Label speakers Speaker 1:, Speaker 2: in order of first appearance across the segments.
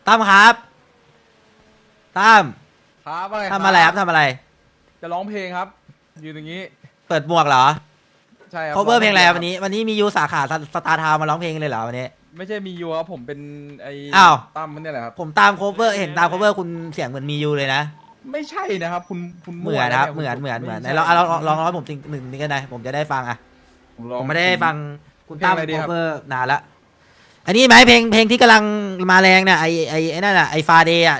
Speaker 1: ตั้มครับตั้ม
Speaker 2: ครับอะไร
Speaker 1: ทำอะไรครับทำอะไร
Speaker 2: จะร้องเพลงครับยืนอย่างนี้
Speaker 1: เปิดหมวกเหรอ
Speaker 2: ใช่ครับ
Speaker 1: cover เพลงอะไร
Speaker 2: คบ
Speaker 1: วันนี้มียูสาขาสตาร์ทาวมาร้องเพลงเลยเหรอวันนี้
Speaker 2: ไม่ใช่มียูครับผมเป็นไอ้
Speaker 1: อ้าว
Speaker 2: ตั้มมันเนี่ยแหละครับ
Speaker 1: ผมตาม cover เห็นตาม cover คุณเสียงเหมือนมียูเลยนะ
Speaker 2: ไม่ใช่นะครับคุณ
Speaker 1: เหมือนครับ
Speaker 2: ว
Speaker 1: เหมือนไหน
Speaker 2: ไใช่
Speaker 1: ลองร้องให้ผมจริงหนึ่งนี่ก็ได้ผมจะได้ฟังอ่ะ
Speaker 2: ร้อง
Speaker 1: ผมไม่ได้ฟังคุณตั้ม
Speaker 2: เพลงอะไรดีครับ
Speaker 1: cover นานละอันนี้ไหมเพลงที่กำลังมาแรงเนี่ยไอ้นั่นอ่ะไอ้ฟาเดย์อ่ะ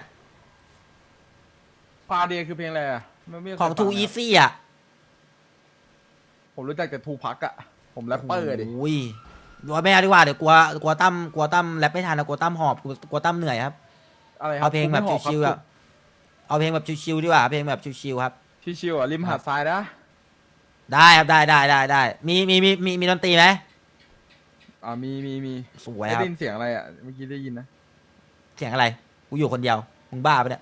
Speaker 2: ฟาเดียคือเพลงอะไรอะไม่เคย
Speaker 1: ของ
Speaker 2: ฟั
Speaker 1: Too
Speaker 2: นะครับ
Speaker 1: Easy อ่ะ
Speaker 2: ผมรู้จักแต่ทูพักอะผมแรปเปอร์ดิ
Speaker 1: โอ้ยว่าไม่เอาดีกว่าเดี๋ยวกลัวตั้มแรปไม่ทันนะกลัวตั้มหอบกลัวตั้มเหนื่อยครับ
Speaker 2: อะไรครับ
Speaker 1: เอาเพลงแบบ
Speaker 2: คุณไม่หอก
Speaker 1: ชิวๆ
Speaker 2: ครั
Speaker 1: อ่ะเอาเพลงแบบชิวๆดีกว่าเพลงแบบชิวๆครับ
Speaker 2: ชิวๆอะริมหาดทรายนะ
Speaker 1: ได้ครับได้มีดนตรีไหม
Speaker 2: มี
Speaker 1: สวย
Speaker 2: ได้
Speaker 1: ครับ
Speaker 2: ยินเสียงอะไรอะเมื่อกี้ได้ยินนะ
Speaker 1: เสียงอะไรกูอยู่คนเดียวมึงบ้าปะเนี่ย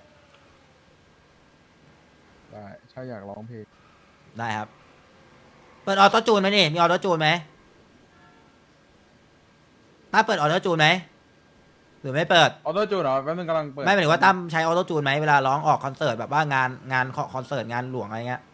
Speaker 2: ได้ใช่อยากร้องเพลง
Speaker 1: ได้ครับเปิดออโต้จูนไหมนี่มีออโต้จูนไหมตั้มเปิดออโต้จูนไหมหรือไม่เปิด
Speaker 2: ออโต้จูนเหรอแป๊บนึงกำลังเปิด
Speaker 1: ไม่หมายถึงว่าตั้มใช้ออโต้จูนไหมเวลาร้องออกคอนเสิร์ตแบบว่างานคอนเสิร์ตงานหลวงอะไรเงี้ย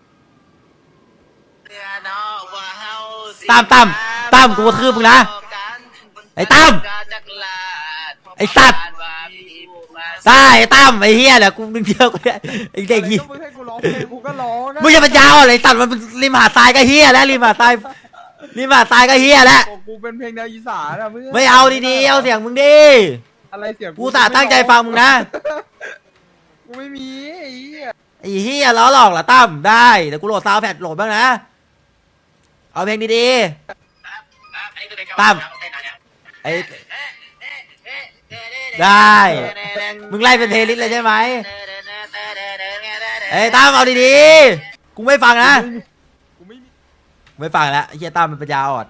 Speaker 1: ตั้มกูกระทืบมึงนะไอ้ตั้มไอ้สัตว์ได้ไอ้ตั้มไอ้เฮียแหละกูนึงเดียวกูเนี่ยไอ้เด็ก
Speaker 2: อะไร
Speaker 1: ยี่
Speaker 2: ก็มึงให้กูร้องเพลงกูก็ร้องนะ
Speaker 1: มึงจะเป็นยาวอะไรสัตว์มันริมหาดทรายก็เฮียแล้วริมหาดทรายก็เฮียแล้ว
Speaker 2: กูเป็นเพลงแนวอีสานอะเพื่อน
Speaker 1: ไม่เอาดีๆเอาเสียงมึงดิ
Speaker 2: อะไรเสียง
Speaker 1: กูสาตั้งใจฟังมึงนะ
Speaker 2: กูไม่มีไอ้เหี้ย
Speaker 1: ไอ้เฮียล้อหลอกเหรอตั้มได้เดี๋ยวกูโหลดซาวด์แพดโหลดบ้างนะเอาเพลงดีๆตั้มไอ้ได้มึงไล่เป็นเพลย์ลิสต์เลยใช่ไหมเอ้ยตั้มเอาดีๆกูไม่ฟังนะ
Speaker 2: กูไม่มี
Speaker 1: ไม่ฟังแล้วไอ้เฮียตั้มมันปัญญาอ่อน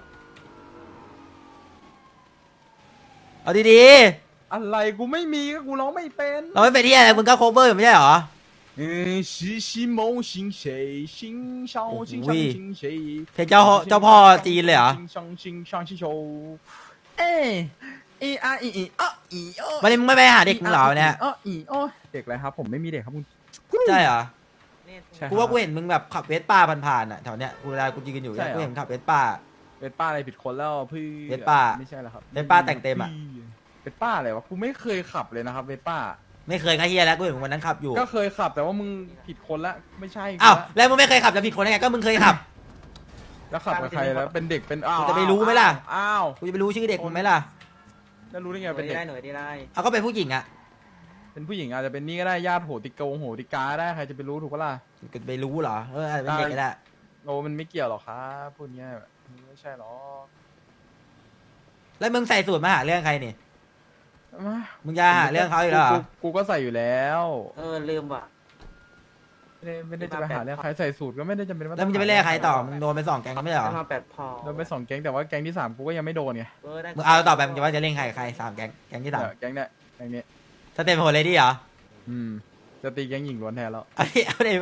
Speaker 1: เอาดี
Speaker 2: อะไรกูไม่มีก็กูร้องไม่เป็น
Speaker 1: ๆเราไม่เป็นที่อะไรมึงก็โคเวอร์อยู่ไม่ใช่เหรอ
Speaker 2: 是心梦醒谁心上心上心谁
Speaker 1: เพลงเจ้าพ่อจีนเลยเหรอ
Speaker 2: 心上心上心手เอ้อีอาอีอีอ้ออีโอ
Speaker 1: วันนี้มึงไม่ไปหาเด็กมึงเหรอเนี่ย
Speaker 2: อ้ออีโอเด็กอะไรครับผมไม่มีเด็กครับคุณ
Speaker 1: ใช่เหรอ
Speaker 2: ใช่ครับ
Speaker 1: กูว่ากูเห็นมึงแบบขับเวสป้าผ่านๆอ่ะแถวเนี้ยกูเวลากูยืนอยู่เนี่ยกูเห็นขับเวสป้า
Speaker 2: เป็นป้าอะไรผิดคนแล้วพี่
Speaker 1: เวสป้า
Speaker 2: ไม่ใช่แล้วครับ
Speaker 1: เวสป้าแต่งเต็มอะ
Speaker 2: เป็นป้าอะไรวะกูไม่เคยขับเลยนะครับเวสป้า
Speaker 1: ไม่เคยก็เฮียแล้วกูเห็นมึงวันนั้นขับอยู่
Speaker 2: ก็เคยขับแต่ว่ามึงผิดคนละไม่ใช่
Speaker 1: อ้าว
Speaker 2: ละ
Speaker 1: แล้วมึงไม่เคยขับจะผิดคนได้ไงก็มึงเคยขับ
Speaker 2: แล้วขับกับใครแล้วเป็นเด็กเป็นอ้าว
Speaker 1: กูจะไปรู้ไหมล่ะ
Speaker 2: อ้าว
Speaker 1: กูจะไปรู้ชื่อเด็กมึงไหมล่ะ
Speaker 2: แล้วรู้ได้ไงเป็นเด็ก
Speaker 3: หน่วยได้
Speaker 1: เอาก็เป็นผู้หญิงอ่ะ
Speaker 2: เป็นผู้หญิงอาจจะเป็นนี่ก็ได้ญาติโหติโหติกาได้ใครจะไปรู้ถูกปะล่ะ
Speaker 1: กูจะไปรู้เหรออาจจะเป็นเด็กก็ได้
Speaker 2: โอ้มันไม่เกี่ยวหรอกครับพูดเงี้ยไม่ใช่หรอก
Speaker 1: แล้วมึงใส่สูตรมาหาเรื่องใครนี่
Speaker 2: มา
Speaker 1: มึงจะหาเรื่องเขาอีกแล้วเหรอ
Speaker 2: กูก็ใส่อยู่แล้ว
Speaker 3: ลืมว่ะ
Speaker 2: ไม่ได้จะไปหาเรื่องใครใส่สูตรก็ไม่ได้จำเป็นว่า
Speaker 1: แล้วมึงจะไปเรียกใครต่อมึงโดนไป2 แก๊งไม่ใช่เหรอ
Speaker 3: มา8พอ
Speaker 2: โดนไป2 แก๊งแต่ว่าแก๊งที่3กูก็ยังไม่โดนไง
Speaker 1: มึงเอาต่อไปมึงจะว่าจะเล่นใคร3 แก๊งแก๊งที่สาม
Speaker 2: แก๊งเนี้ยแก๊งนี้
Speaker 1: สเต็ปโหดเลยดิเหรอ
Speaker 2: จะตีแก๊งหญิงล้วนแทนแล้ว
Speaker 1: เอาดิ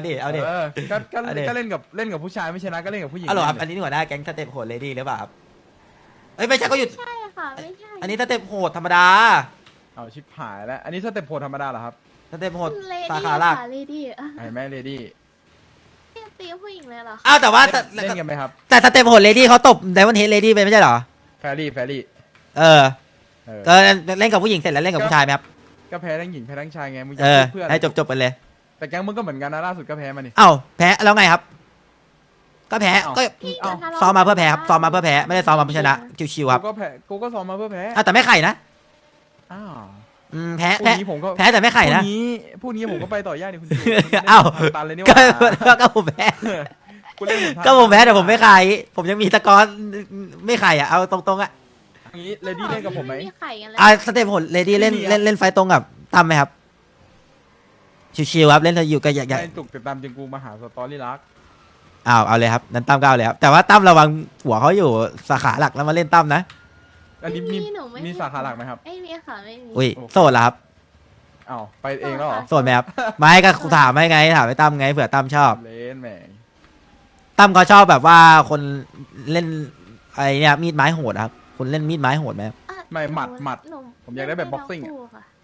Speaker 2: เออก็
Speaker 1: เอาดิ
Speaker 2: เล่นกับผู้ชายไม่ชนะก็เล่นกับผู้หญิง
Speaker 1: อ๋อเหรอครับอันนี้หัวหน้าแก๊งสเต็ปโหดเลยดิหรือเปล่าครับเอ้ยไม่ใช่ก็หยุด
Speaker 4: ใช่ค่ะไม่ใช่
Speaker 1: อันนี้สเต็ปโหดธรรมดา
Speaker 2: เอาชิบหายแล้วอันนี้สเต็ปโหดธรรมดาเหรอครับ
Speaker 1: สเต็ปโหด
Speaker 4: เล
Speaker 1: สา
Speaker 4: ดี้
Speaker 1: ขาหลัก
Speaker 4: ค่ะเลดี้
Speaker 2: ไอ้แม่เลดี้
Speaker 4: ตีผู้หญิงเลยเหรอคะ
Speaker 1: อ้าวแต่ว่า
Speaker 2: เล่นกันไหมครับ
Speaker 1: แต่สเต็ปโหดเลดี้เขาตบไดมอนด์เฮดเลดี้ไปไม่ใช่เหรอ
Speaker 2: แฟรี่
Speaker 1: เออก็เล่นกับผู้หญิงเสร็จแล้วเล่นกับผู้ชายไหมครับ
Speaker 2: ก็แพ้ทั้งหญิงแพ้ทั้งชายไงมึงจะ
Speaker 1: เออ
Speaker 2: เพื่อน
Speaker 1: ให้จบไปเลย
Speaker 2: แต่แก๊งมึงก็เหมือนกันนะล่าสุดก็แพ้มานี่
Speaker 1: เอ้าแพ้แล้วไงครับ ก็แพ้
Speaker 2: เอ้า
Speaker 1: ก็
Speaker 4: พี่
Speaker 2: เอ้า
Speaker 4: จะทะเลาะ
Speaker 1: ซ้อมมาเพื่อแพ้ครับซ้อมมาเพื่อแพ้ไม่ได้ซ้อมมาเพื่อชนะชิวๆครับ
Speaker 2: กูก็ซ้อมมาเพื่อแพ้
Speaker 1: อ้าวแต่ไม่ไข่นะ
Speaker 2: อ้าว
Speaker 1: แพ้
Speaker 2: พรุ่งนี้ผมก็
Speaker 1: แพ้แต่ไม่ไข่นะ
Speaker 2: พรุ่งนี้ผมก็ไปต่อยากดิคุณจู
Speaker 1: เอ้า
Speaker 2: ตันเลยนี่ห
Speaker 1: ก็
Speaker 2: ว่า
Speaker 1: ก็ผมแพ้
Speaker 2: กูเล่นเหอน
Speaker 1: ก็ผมแพ้แต่ผมไม่ไข่ผมยังมีตะกอนไม่ไข่อ่ะเอาตรงๆอ่ะ
Speaker 2: อย่างนี้เลดี้เล่นกับผมไหม
Speaker 4: ไข่กันเลย
Speaker 1: สเต็ปโหดเลดี้เล่นไฟตรงกับตั้มไหมครับชิวๆครับเล่นอยู่ก็อยาก
Speaker 2: ไอ้จุกติดตามจนกูมาหาสตอรี่รัก
Speaker 1: เอาเลยครับนั้นตั้มก็เอาเลยครับแต่ว่าตั้มระวังหัวเขาอยู่สาขาหลักแล้วมาเล่นตั้มนะ
Speaker 2: อันนี้มี
Speaker 4: หนูไ
Speaker 2: มีสาขาหลักไหมครับ
Speaker 4: ไม่มีค่ะไม่มี
Speaker 1: อุ้ยโสดเหรอครับ
Speaker 2: อ้าวไปเองแล้วเหรอ
Speaker 1: โสดไหมครับไม่ก็ถามให้ไงถามให้ตั้มไงเผื่อตั้มชอบ
Speaker 2: เล่นแหม
Speaker 1: ตั้มเขาชอบแบบว่าคนเล่นไอ้เนี่ยมีดไม้โหดครับคนเล่นมีดไม้โหดไหมครับ
Speaker 4: อ่ะ
Speaker 2: ไม่หมัด
Speaker 4: หนู
Speaker 2: ผมอยากได้แบบบ็อกซิ่ง
Speaker 4: เล่นได้ทั้คู่ค่ะ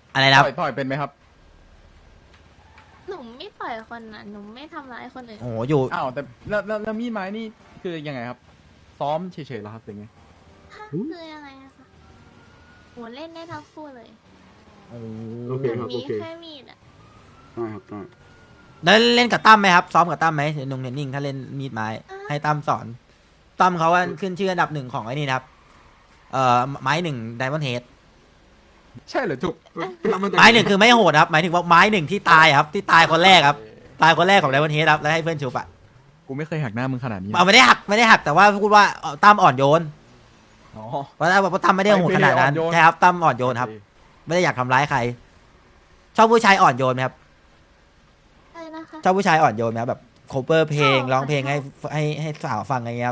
Speaker 1: อะไรนะครับ
Speaker 2: ต่อยเป็นไหมครับ
Speaker 4: หนูไม่ปล่อยคนน่ะหนูไม่ทำร้ายคนอื่น
Speaker 1: โอ้โหอยู่
Speaker 2: อ้าวแต่แล้วมีดไม้นี่คือยังไงครับ ซ้อมเฉยๆเหรอครับหรือไง
Speaker 4: คือยังไงอะคะหนูเล่นได้ทั้งคู่เลย
Speaker 3: โอเค
Speaker 4: หนู
Speaker 3: ครับ
Speaker 4: มี
Speaker 3: โอเค
Speaker 4: แค่มีดอะ
Speaker 3: ได้ครับได้
Speaker 1: แล้วเล่นกับตั้มไหมครับซ้อมกับตั้มไหมนงเทนนิ่งถ้าเล่นมีดไม้ให้ตั้มสอนตั้มเขาว่าขึ้นชื่ออันดับหนึ่งของไอ้นี่นะครับไม้หนึ่งไดมอนด์เฮด
Speaker 2: ใช่เหรอจุก
Speaker 1: ไม้หนึ่งคือไม่โหดครับหมายถึงว่าไม้หนึ่งที่ตายครับที่ตายคนแรกครับตายคนแรกของไดมอนด์เฮดครับแล้วให้เพื่อนชุบอะ
Speaker 2: กูไม่เคยหักหน้ามึงขนาดนี้
Speaker 1: เอาไม่ได้หักแต่ว่าพูดว่าตั้มอ่อนโยน
Speaker 2: อ๋อ
Speaker 1: เพราะตั้มไม่ได้โหดขนาดนั้น
Speaker 2: ไม่ได้อ่อนโยน
Speaker 1: ใช่ครับตั้มอ่อนโยนครับ ไม่ได้อยากทำร้ายใคร ชอบผู้ชายอ่อนโยนไหมครับ
Speaker 4: อะไรนะคะ
Speaker 1: ชอบผู้ชายอ่อนโยนไหมครับแบบโคเวอร์เพลง
Speaker 4: ชอบ
Speaker 1: ร้องเพลง
Speaker 4: ชอบ
Speaker 1: ให้สาวฟังอะไรเงี้ยครับ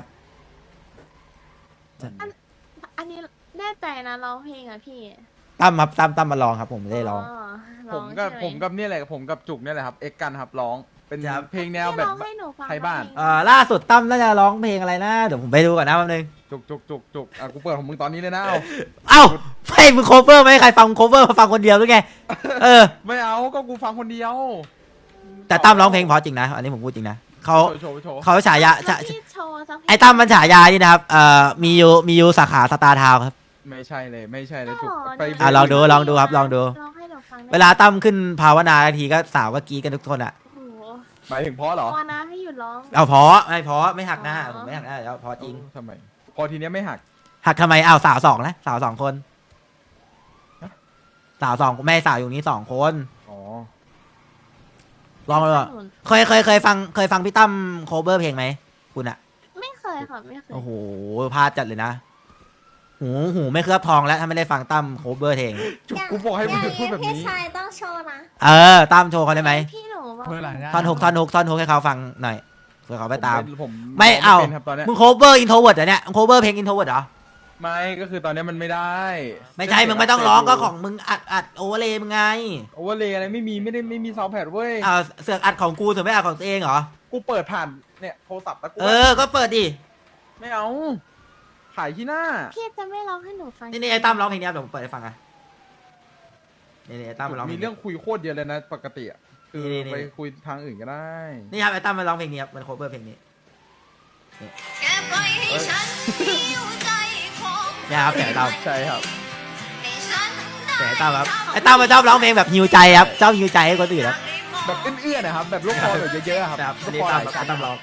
Speaker 4: อันนี้แน่ใจนะร้องเพลงอะพี่
Speaker 1: ตั้มครับตั้มมาลองครับผมไม่ได้ร้อง
Speaker 4: ร้อง
Speaker 2: กับ
Speaker 4: ใช่ไห
Speaker 2: ผมกับเนี่ยแหละผมกับจุกเนี่ยแหละครับเอ็กกันครับร้องเป็น
Speaker 1: ครับ
Speaker 2: เพลงแนว
Speaker 4: พี่
Speaker 2: แบบ
Speaker 4: ร้องให้หนูฟัง
Speaker 2: ไทยบ้าน
Speaker 4: เพลง
Speaker 1: ล่าสุดตั้มน่าจะร้องเพลงอะไรนะเดี๋ยวผมไปดูก่อนนะแป๊บนึง
Speaker 2: จุกอ่ะกูเปิดของมึงตอนนี้เลยนะเอา
Speaker 1: เอ้าไม่มึงโคเวอร์ไม่ให้ใครฟังโคเวอร์มาฟังคนเดียวหรือไงเออ
Speaker 2: ไม่เอาก็กูฟังคนเดียว
Speaker 1: แต่ตั้มร้องเพลงเพราะจริงนะอันนี้ผมพูดจริงนะเขา
Speaker 2: โชว์
Speaker 1: เขาฉายา
Speaker 4: ถ้พี่โชว์สักเพลง
Speaker 1: ไอ้ตั้มมันฉายานี่นะครับมียูสาขาสตาร์ทาวน์ครับ
Speaker 2: ไม่ใช่เลยจุก
Speaker 4: อ๋อ
Speaker 2: ไป
Speaker 1: อ่ะลองดูครับลองดู
Speaker 4: ร้องให้หนูฟังได้
Speaker 1: เวลาตั้มขึ้นภาวนาทีก็สาวก็กรีดกันทุกคนอ่ะ
Speaker 4: โอ้โห
Speaker 2: หมายถึงเพราะเหรอ
Speaker 4: พอนะให้หยุดร้อง
Speaker 1: เอาเพราะไม่หักหน้าผมไม่หักหน้าแล้วเพราะจริง
Speaker 2: ทำไมพอทีเนี้ยไม่หัก
Speaker 1: หักทำไมอ้าวสาวสองนะสาวสองคน
Speaker 2: ฮะ
Speaker 1: สาวสองแม่สาวอยู่นี้สองคน
Speaker 2: อ๋อ
Speaker 1: ลองเลย
Speaker 4: หนู
Speaker 1: เคยฟังพี่ตั้มโคเวอร์เพลงไหมคุณอะ
Speaker 4: ไม่เคยค่ะไม่เคย
Speaker 1: โอ้โหพลาดจัดเลยนะหูไม่เคลือบทองแล้วถ้าไม่ได้ฟังตั้มโคเวอร์เพลง
Speaker 2: จุกกูบอกให้มึงพูดแบบ
Speaker 5: พี่
Speaker 2: นี้
Speaker 5: ชายต้องโชว์นะ
Speaker 1: ตั้มโชว์เขาได้ไหม
Speaker 4: พี่หนูบอก
Speaker 2: เพื่ออะไร
Speaker 1: ท่อนฮุกให้เขาฟังหน่อยเผื่อเขาไปตาม
Speaker 2: ผม
Speaker 1: ไม่เอา
Speaker 2: ป็นครับตอนเนี้ย
Speaker 1: มึงโคเวอร์อินโทรเวิร์ดเหรอเนี่ยโคเวอร์เพลงอินโทรเวิร์ดเหรอ
Speaker 2: ไม่ก็คือตอนเนี้ยมันไม่ได้
Speaker 1: ไม่ใช่มึงไม่ต้องร้องก็ของมึงอัดโอเวอร์เลยมึงไง
Speaker 2: โอเวอร์เลยอะไรไม่มีซาวด์แพดเว้ย
Speaker 1: เสือกอัดของกูเสือกไม่อัดของตัวเองเหรอ
Speaker 2: กูเปิดผ่านเนี่ยโทรศัพท์แล้วกู
Speaker 1: ก็เปิดดิ
Speaker 2: ไม่เอาขายที่หน้า
Speaker 4: พี่จะไม่ร้องให้หนูฟัง
Speaker 1: นี่ไอ้ตั้มร้องเพลงนี้เดี๋ยวผมเปิดให้ฟังอ่ะนี่ไอ้ตั้มมาร้องเพล
Speaker 2: มี
Speaker 1: ง
Speaker 2: เรื่องคุยโคตรเยอะเลยนะปกติอะคือ
Speaker 1: นี่
Speaker 2: ไปคุยทางอื่นก็ได้
Speaker 1: นี่ครับไอ้ตั้มมาร้องเพลงนี้ครับมันโคเวอร์เพลงนี้
Speaker 5: แค่ปล่อยให้ฉันหิวใจของ
Speaker 1: เนี่ยครับแต่ไอ้ตั้ม
Speaker 2: ใช่ครับ
Speaker 5: ให้ฉัน
Speaker 1: แต่ไอ้ตั้มครับไอ้ตั้มมาชอบร้องเพลงแบบฮิวใจครับชอบฮิวใจให้คนอื่นครับ
Speaker 2: แบบเอื้อนๆนะครับแบบลูกคอแบบเยอะๆอะครับ
Speaker 1: ครับ
Speaker 2: ลูก
Speaker 1: นี่
Speaker 2: คอ
Speaker 1: ตั้ม
Speaker 2: หลายชั้น
Speaker 1: ตั้มร้อง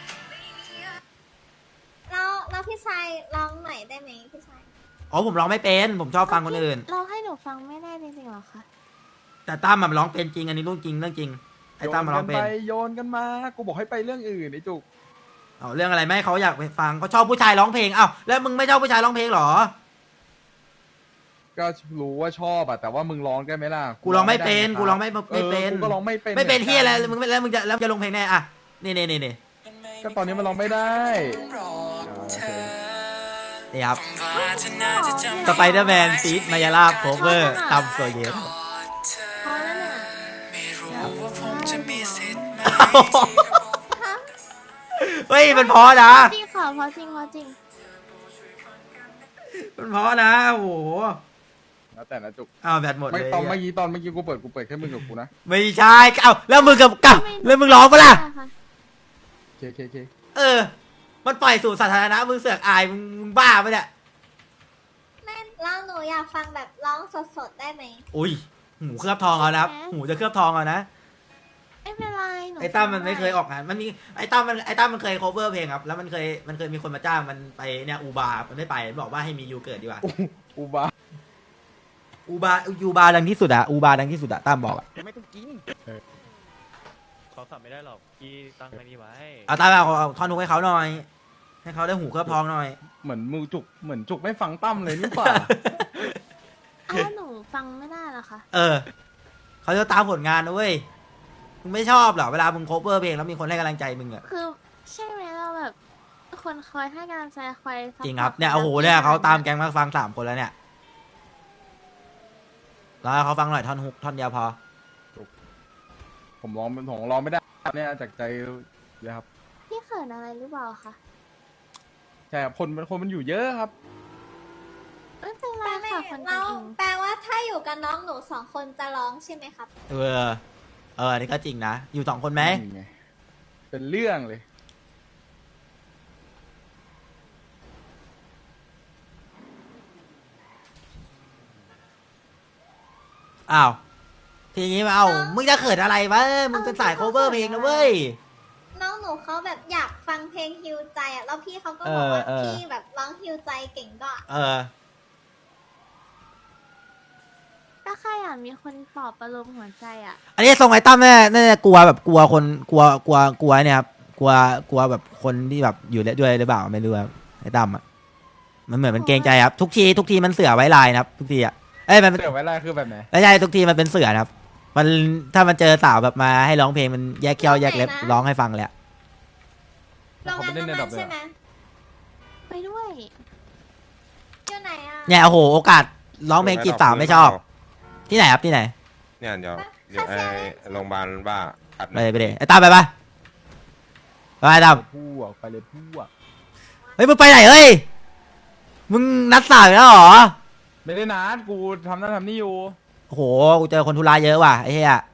Speaker 5: แล้วพี่ชายร้องหน่อยได้ไหมพี่ชาย
Speaker 1: อ๋อผมร้องไม่เป็นผมชอบฟังคนอื่น
Speaker 4: ร้องให้หนูฟังไม่ได้จริงๆหรอคะ
Speaker 1: แต่ตั้มมันร้องเป็นจริงอันนี้เรื่องจริงไอ้ตั้มมันร้องเป็น
Speaker 2: โยนกันมากูบอกให้ไปเรื่องอื่นไอ้จุก
Speaker 1: เอาเรื่องอะไรไม่ให้เขาอยากไปฟังเขาชอบผู้ชายร้องเพลงเอ้าแล้วมึงไม่ชอบผู้ชายร้องเพลงเหรอ
Speaker 2: ก็รู้ว่าชอบอะแต่ว่ามึงร้องได้ไหมล่ะ
Speaker 1: กูร้องไม่เป็น
Speaker 2: ด้ะ
Speaker 1: กูร้องไม่เป็น
Speaker 2: กูก็ร้องไม่เป็น
Speaker 1: ไม่เป็น
Speaker 2: หอกั
Speaker 1: ที่อะไรมึงแล้วมึงจะลงเพลงแน่อ่ะนี่
Speaker 2: ก็ตอนนี้มันร้องไม่ได้โอเค
Speaker 1: นี่ครับสไปเดอร์แมนฟีดมายาลาโคเวอร์ตามตัวเย็น
Speaker 4: พอแล้วเนี่ย
Speaker 1: เฮ้ยมันพอนะ
Speaker 4: จริงค่ะพอจริงพอจริง
Speaker 1: มันพอนะโอ้โห
Speaker 2: แล้วแต่นะจุก
Speaker 1: อ้าวแบตหมดเล
Speaker 2: ไม่
Speaker 1: ย
Speaker 2: ตอนเมื่อกี้กูเปิดแค่มึงกับกูนะ
Speaker 1: ไม่ใช่เอ้าแล้วมึงกับแล้วมึงร้องปะล่ะ
Speaker 2: เค
Speaker 1: มันปล่อยสู่สาธารณะมึงเสือกอายมึงบ้าปะเนี่ย
Speaker 5: แม่แล้วหนูอยากฟังแบบร้องสดๆได้ไหม
Speaker 1: อุ้ยหูเคลือบทองเอานะครับหูจะเคลือบทองเอานะ
Speaker 4: ไม่เป็นไรหนู
Speaker 1: ไอ้ตั้มมันไม่เคยออกงานมันมีไอ้ตั้มมันเคย cover เพลงครับแล้วมันเคยมีคนมาจ้างมันไปเนี่ยอูบามันไม่ไปมันบอกว่าให้มียูเกิดดีกว่า
Speaker 2: อูบา
Speaker 1: ยูบาดังที่สุดอะอูบาดังที่สุดอะตั้มบอกอะ
Speaker 2: ไม่ต้องกิน
Speaker 6: เขาสับไม่ได้หรอกพี่ตั้งไว้นี่ไว้
Speaker 1: เอาตั้มเอาท่อนทุกให้เขาหน่อย ให้เขาได้หูเคลือบทองหน่อย
Speaker 2: เหมือนจุกไม่ฟังตั้มเลยนี่ป่า
Speaker 4: อ้าวหนูฟังไม่ได้เหรอคะ
Speaker 1: เขาจะตามผลงานนะเว้ยมึงไม่ชอบเหรอเวลามึง cover เพลงแล้วมีคนให้กำลังใจมึงอะ
Speaker 4: คือใช่ไหมเราแบบคนคอยให้กำลังใจคอยซัพพอต
Speaker 1: จริงครับเนี่ยโอ้โหเนี่ยเขาตามแก๊งมาฟัง3 คนแล้วเนี่ยแล้วเขาฟังหน่อยท่อนฮุกท่อนเดียวพอ
Speaker 2: ผมร้องไม่ได้เนี่ยจากใจเลยครับ
Speaker 4: พี่เขินอะไรหรือเปล่าคะ
Speaker 2: ใช่ครับคนมันอยู่เยอะครับ
Speaker 4: หไม่เป็นไร
Speaker 5: ไม่
Speaker 4: ค่ะคน
Speaker 5: เรา
Speaker 4: อื่น
Speaker 5: แปลว่าถ้าอยู่กับน้องหนู2 คนจะร้องใช่ไหมครับ
Speaker 1: เอออันนี้ก็จริงนะอยู่2 คนไหม
Speaker 2: นี่ไงเป็นเรื่องเลย
Speaker 1: อ้าวทีนี้มาเอามึงจะเขินอะไรวะมึงเป็นสาย cover เพลงนะเว้ย
Speaker 5: น้องหนูเขาแบบอยากฟังเพลงฮิวใจอ่ะแล้วพี่เขาก็บอกว่า
Speaker 1: เออ
Speaker 5: พี่แบบร้องฮิวใจเก่งก็
Speaker 4: ก็แค่อยากมีคนปลอบประโลมหัวใจอ่ะ
Speaker 1: อันนี้ทรงไอ้ตั้มน่าจะกลัวแบบกลัวคนกลัวเนี่ยครับกลัวแบบคนที่แบบอยู่ด้วยหรือเปล่าไม่รู้ครับไอ้ตั้มอ่ะมันเหมือนมันเกรงใจครับทุกทีมันเสือไว้ลายนะครับ ทุกทีอ่ะมัน
Speaker 2: เสือไว้ไรคือแบบไหน
Speaker 1: ไม่ใช่ทุกทีมันเป็นเสือนะครับ มันถ้ามันเจอสาวแบบมาให้ร้องเพลงมันแยกเขี้ยวแยกเล็บร้องให้ฟังเลยอะ
Speaker 5: โรงงานน้ำมันใช่ไหม
Speaker 4: ไปด้วย
Speaker 5: อยู่ไหนอ่ะ
Speaker 1: เนี่ยโอ้โหโอกาสร้องเพลงจีบสาวไม่ชอบ ที่ไหนครับที่ไหน
Speaker 7: เนี่ยเดี๋ยวไอ้โรงพยาบาลบ้าอัด
Speaker 1: ไปดิไอ้ตั้มไปปะไปตั้ม
Speaker 2: พวกไปเลยพวก
Speaker 1: เฮ้ยมึงไปไหนเฮ้ยมึงนัดสาวอีกแล้วเหรอ
Speaker 2: ไม่ได้นัดกูทำนั่นทำนี่อยู่
Speaker 1: โอ้โหกูเจอคนธุระเยอะว่ะไอ้เหี้ย